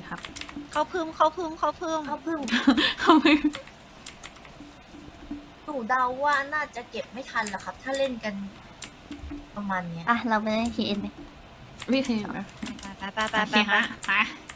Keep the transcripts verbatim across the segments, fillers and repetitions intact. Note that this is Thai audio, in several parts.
ครับเขาพึ่มเขาพึ่มเขาพึ่มเขาเพิ่งทำไมหนูเดาว่าน่าจะเก็บไม่ทันหรอกครับ ถ้าเล่นกันประมาณเนี้ยอ่ะ เราไปเล่น เค เอ็น ไหมไม่เคยนะไปไปไปโอไปเคไปฮะไป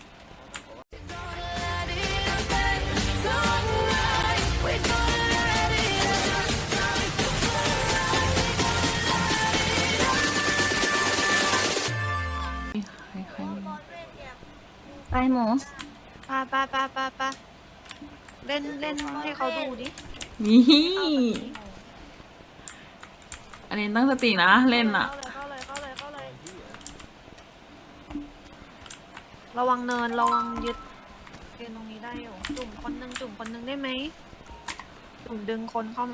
ใครใครไปหมูไปไปไปไปไปเล่นเล่นให้เขาดูดินี่อันนี้ตั้งสตินะ เล่นอ่ะเข้าเลยเข้าเลยเข้าเลยเข้าเลยระวังเนินระวังยึดเกณฑ์ตรงนี้ได้อยู่จุ่มคนหนึงจุ่มคนหนึงได้ไหมจุ่มดึงคนเข้ามา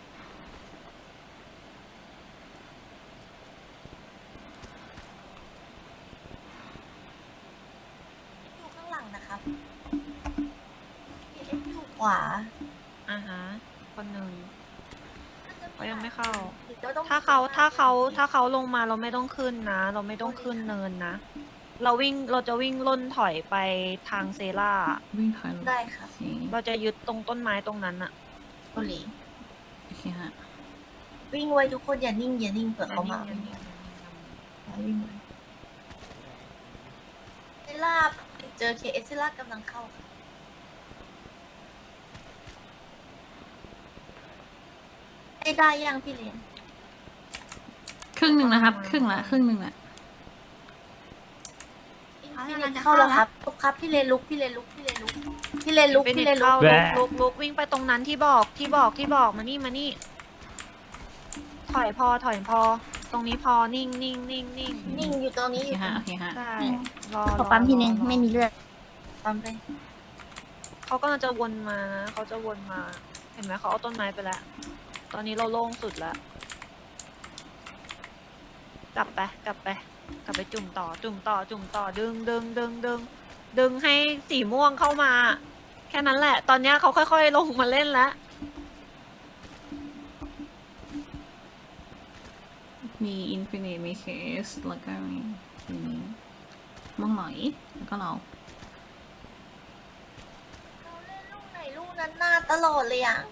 อยู่ข้างหลังนะครับเอฟอยู่ขวาอ่าฮะคนหนึ่ง เขายังไม่เข้าดี๋ยวต้องถ้าเขาถ้าเขาถ้าเขาลงมาเราไม่ต้องขึ้นนะ เราไม่ต้องขึ้นเนินนะ เราวิ่งเราจะวิ่งล่นถอยไปทางเซล่าวิ่งถอยลงได้ครับโอเคเราจะยึดตรงต้นไม้ตรงนั้นอะโอเลโอเคฮะวิ่งไว้ทุกคนอย่านิ่งอย่านิ่งเผื่อเขามาอย่วิ่งนิ่งวิ่งไว้เซล่าเจอเคเอสเซล่ากำลังเข้าค่ะได้ได้ยังพี่เลี้ยงครึ่งหนึ่งนะครับ ครึ่งละ ครึ่งหนึ่งละพี่เลนเข้าแล้วครับลุกครับพี่เลนลุกพี่เลนลุกพี่เลนลุกพี่เลนลุกเป็นพี่เน็เลตนลุเข้าก ลุกลุกลุกวิ่งไปตรงนั้นที่บอกที่บอกที่บอกมานี่มานี่ ถอยพอถอยพอ ตรงนี้พอนิ่งนิ่งนิ่งนิ่งนิ่งอยู่ตรงโอนี้อเคยู่ฮะ โอเคฮะใช่รอขอปั๊มทีนึงรอไม่มีเลือดปั๊มไปเขาก็จะวนมานะเขาจะวนมา เห็นไหมเขาเอาต้นไม้ไปแล้ว ตอนนี้เราโล่งสุดแล้ว กลับไปกลับไป กลับไปจุ่มต่อ จุ่มต่อ จุ่มต่อ ดึงดึงดึงดึงดึงให้สีม่วงเข้ามา แค่นั้นแหละ ตอนเนี้ยเขาค่อยๆลงมาเล่นแล้วมีอินฟินิตมีเคส แล้วก็มีอันนี้ม่วงหน่อย แล้วก็เราเราเล่นลูกไหนลูกนั้นหน้าตลอดเลยอ่ะ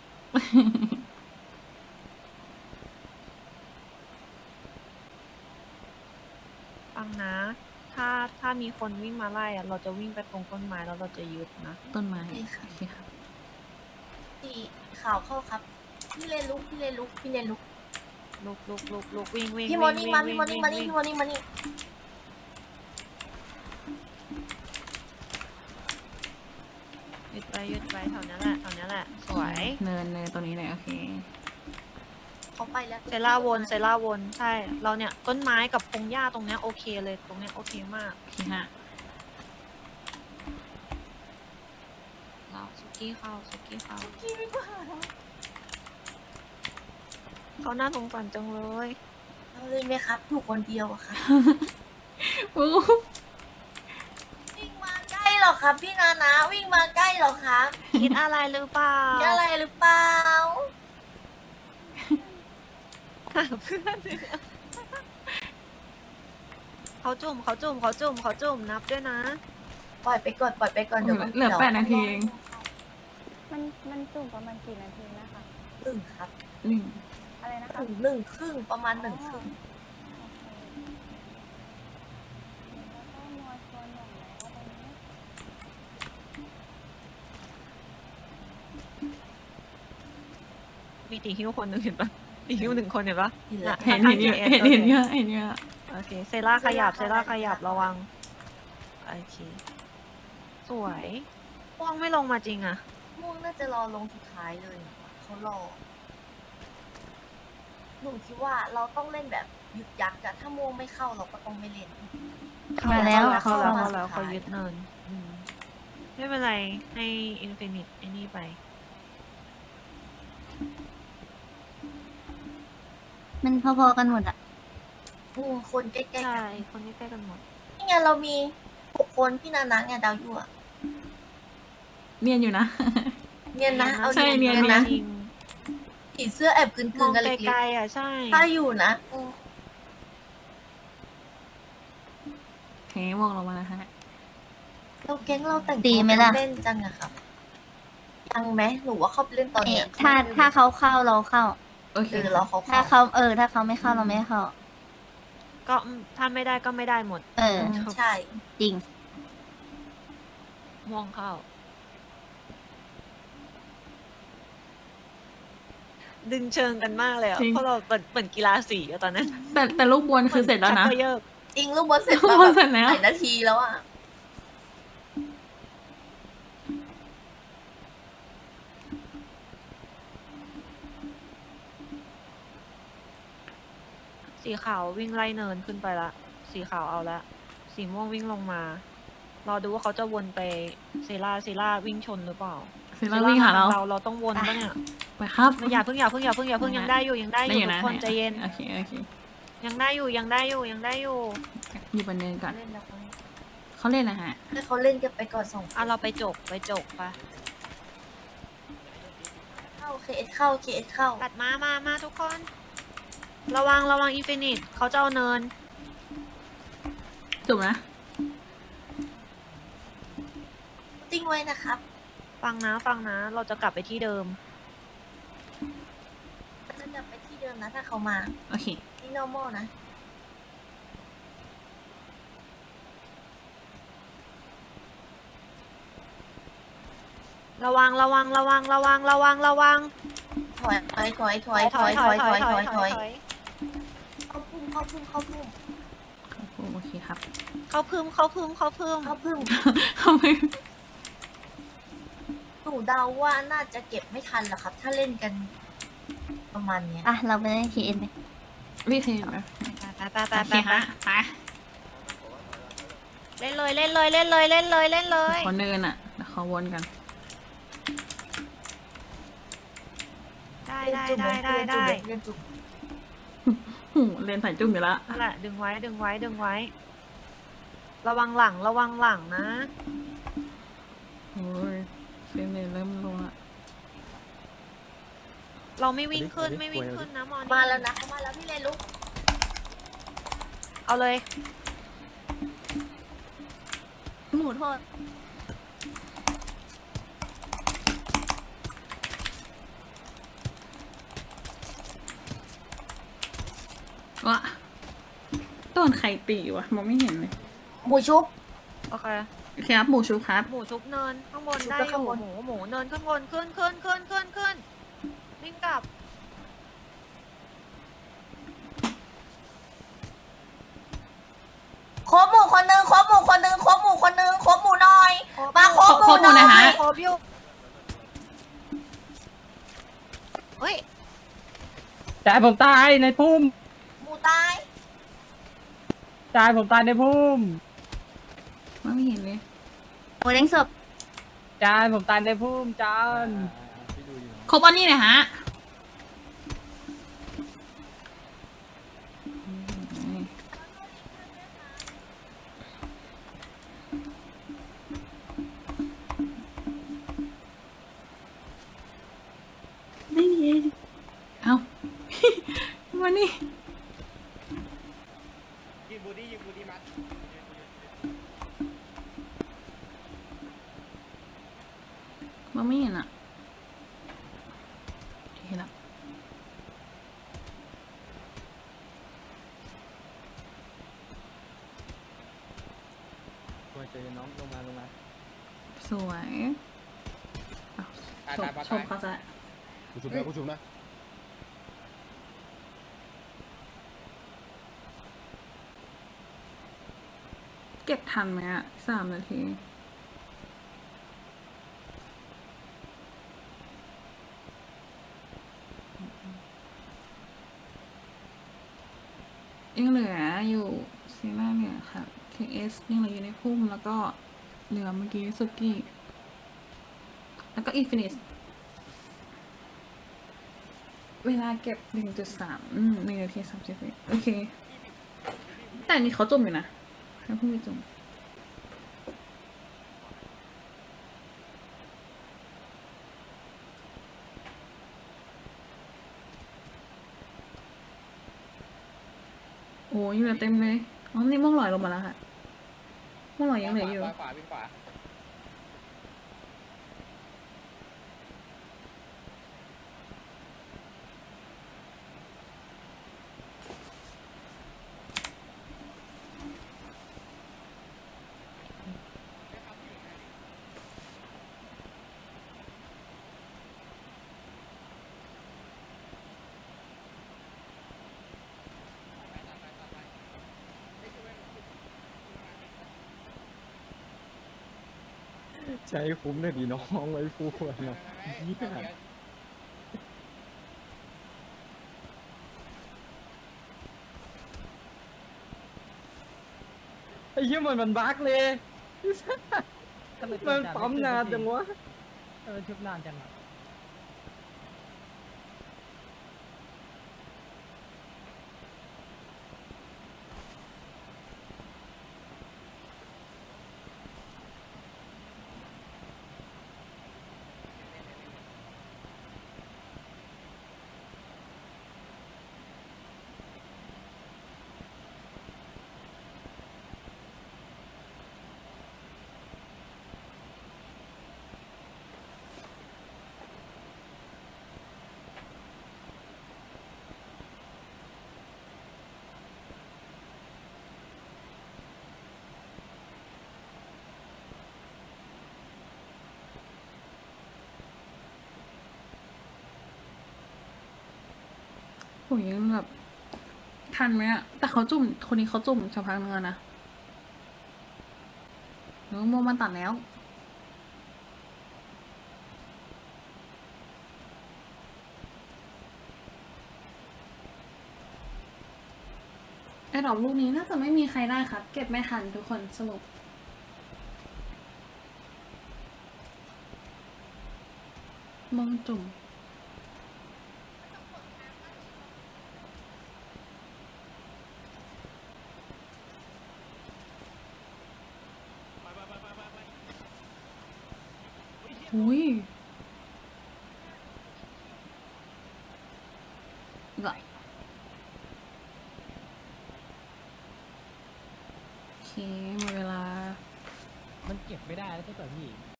ฟังนะ ถ้าถ้ามีคนวิ่งมาไล่อะเราจะวิ่งไปตรงต้นไม้แล้วเราจะยึดนะต้นไม้โอเคค่ะโอเคครับสีขาวเข้าครับ พี่เลนลุกพี่เลนลุกพี่เลนลุกลุกลุกลุกลุกวิ่งวิ่งพี่มอนี่วิ่งมาวิ่พี่งมอนี่มานี่วิ่งพี่มอนี่มานี่ยึดไปยึดไปแถวนี้แหละแถวนี้แหละ สวยเนินเนินตัวนี้เลยโอเคเขาไปแล้วเซล่าวนเซล่าวนใช่ เราเนี่ยต้นไม้กับพงหญ้าตรงเนี้ยโอเคเลยตรงเนี้ยโอเคมากโอเคฮะเราสุกี้เข้าสุกี้เข้าพี่ไม่กว่าเขาน่าสงสารจังเลยเอาเลยไหมครับอยู่คนเดียวอะครับอู้วิ่งมาใกล้หรอครับ พี่นานาวิ่งมาใกล้หรอครับคิดอะไรหรือเปล่ามีอะไรหรือเปล่าหาเพื่อนเขาจุ่มเขาจุ่มเขาจุ่มเขาจุ่มนับด้วยนะปล่อยไปก่อนปล่อยไปก่อนเดี๋ยวมันเหลือแปดนาทีเองมันมันจุ่มประมาณกี่นาทีนะคะหนึ่งครับหนึ่งอะไรนะคะถึงหนึ่งครึ่งประมาณหนึ่งครึ่งแล้วก็มัวชวนหน่อยแล้วตรงนี้มีตีฮิ้วคนหนึ่งเห็นปะตีฮิ้วหนึ่งคนเห็นปะนี่แหละเห็นเห็นเยอะเห็นเห็นเยอะเห็นเยอะโอเค เซล่าขยับ เซล่าขยับระวัง โอเค สวยม่วงไม่ลงมาจริงอะม่วงน่าจะรอลงสุดท้ายเลยเขารอหนูคิดว่าเราต้องเล่นแบบยึกยักษ์อะถ้าม่วงไม่เข้าเราก็ต้องไม่เล่นมาแล้วเข้าแล้วเข้าเข้ามาแล้วสุดท้ายเขายึดเนินอืมไม่เป็นไร ให้อินฟินิตไอ้นี่ไปมันพอๆกันหมดอ่ะอืมคนใกล้ๆกัใช่นคนใกล้ๆกันหมดนี่ไงเรามีหกคนพี่นานาไงดาวยั่วเนียนอยู่นะเนียนนะเอาใช่เนียนนะจริงผีเสื้อแอบกลืมอน งๆกันไกเล็กลๆอ่ะใช่ๆถ้าอยู่นะอืมโอเควงลงมานะฮะเราแก๊งเราแต่งดีตัวไหมล่ะเล่นจังอะครับยังไหมหนูว่าเขาไปเล่นตอนเอ๊ะเนี้ยถ้าถ้าเขาเข้าเราเข้าโอเคเออเราเขาถ้าเข้าเขาเออ ถ้าเขาไม่เข้าเราไม่เข้าก็ถ้าไม่ได้ก็ไม่ได้หมดเออใช่จริงม่วงเข้า ดึงเชิงกันมากเลยอ่ะจริงเพราะเราเปิดเปิดกีฬาสีอะตอนนั้นแต่แต่ลูกบอลคือเสร็จแล้วนะชักกรเยิกจริงลูกบอลเสร็จลูกแล้วบอลแบบเสร็จแล้วหลายนาทีแล้วอะสีขาววิ่งไล่เนินขึ้นไปละ สีขาวเอาละ สีม่วงวิ่งลงมา รอดูว่าเขาจะวนไปเซราเซราวิ่งชนหรือเปล่าเสร็จแล้ววิ่งหาเราเราเราต้องวนปะเนี่ยไปครับไม่อย่าเพิ่งอย่าเพิ่งอย่าเพิ่งอย่าเพิ่งยังได้อยู่ยังได้อได้ยู่อยู่ทุนะกคนใจเย็นโอเคโอเคยังได้อยู่ยังได้อยู่ยังได้อยู่อยู่บนเนินก่อนเล่นแล้วเขาเขาเล่นนะฮะให้เขาเล่นกันไปก่อนสองคนอ่ะเราไปจกไปจกปะเข้าเคเอสเข้าเคเอสเข้าตัดมามามาทุกคน ระวังระวังอินฟินิตเขาจะเอาเนินจบนะติ้งไว้นะครับฟังนะฟังนะ เราจะกลับไปที่เดิมจะกลับไปที่เดิมนะถ้าเขามาโอเคที่ normal นะระวังระวังระวังระวังระวังระวังถอยถอยถอยถอยถอยถอยถอยถอยถอยเข้าพุ่มเข้าพุ่มเข้าพุ่มครับผมโอเคครับเขาพึ่มเขาพึ่มเขาพึ่มเข้าพุ่มเข้าไปหนูเดาว่าน่าจะเก็บไม่ทันหรอกครับ ถ้าเล่นกัน ประมาณเนี้ยอ่ะ เราไปเล่น เค เอ็น ไหมรีเทนนะไปไปไปโอไปเคไปฮะไปเล่นเลยเล่นเลยเล่นเลยเล่นเลยเล่นเลยขอเนินอ่ะเดี๋ยวขอวนกันได้ได้ได้ได้ได้เล่นจุกหูเล่นใส่จุ่มอยู่ละนั่นแหละดึงไว้ดึงไว้ดึงไว้ ระวังหลังระวังหลังนะโอ้ยเฟรมเรทเริ่มลงละเราไม่วิ่งขึ้นไม่วิ่งขึ้นนะมอนี่มาแล้วนะเขามาแล้วพี่เลนลุกเอาเลยหมูโทษวะโดนใครตีวะมองไม่เห็นเลยหมูชุบโอเคโอเคครับหมูชูครับหมูชุบเนินข้างบนชุบได้ไปอข้างยู่บนหมูหมูเนินข้างบนขึ้นขึ้นขึ้นขึ้นขึ้นวิ่งกลับครบหมูคนหนึงครบหมูคนหนึงครบหมูคนหนึงครบหมูหน่อย มาครบหมูครบหมู่หหน่น่ออย ยฮะครบอยู่เฮ้ยจ่ายผมตายในพุ่มหมูตายจ่ายผมตายในพุ่มมองไม่เห็นเลยหมูเล้งศพจานผมตายในพุ่มจานครบอันนี้หน่อยฮะเอ้า มานี่ยิงบูดี้ยิงบูดี้มัดมองไม่เห็นอ่ะเห็นละมาเจอน้องลงมาลงมาสวยอ้าวตายชมตายปะชมเขาซะกูชุบนะกูชุบนะเก็บทันไหมอ่ะสามนาทียังเหลืออยู่ซีน่าเนี่ยค่ะ เค เอส ยังเหลืออยู่ในพุ่มแล้วก็เหลือเมื่อกี้สุกี้ แล้วก็อินฟินิตเวลาเก็บ หนึ่งจุดสาม อืมหนึ่งนาทีสามสิบวิโอเค แต่อันนี้เขาจมอยู่นะเขาเพิ่งไปจม โอ้ยเหลือเต็มเลย อ๋อ นี่ม่วงลอยลงมาแล้วค่ะม่วงลอยยังเหลืออยู่ขวาวิ่งขวาใช้คุ้มเลยดีน้องไว้พูดเนาะเหี้ยไอ้เหี้ยเหมือนมันบั๊กเลยมันปั๊มนานจังวะเออชุบนานจังอ่ะโอ้ยยังแบบทันไหมอะแต่เขาจุ่มคนนี้เขาจุ่มสักพักนึงแล้วนะหรือว่าโมมันตัดแล้วไอ้ดอกลูกนี้น่าจะไม่มีใครได้ครับ เก็บไม่ทันทุกคนสรุปมองจุ่ม อุ้ยก็โอเคหมดเวลามันเก็บไม่ได้แล้วใช่ป่ะพี่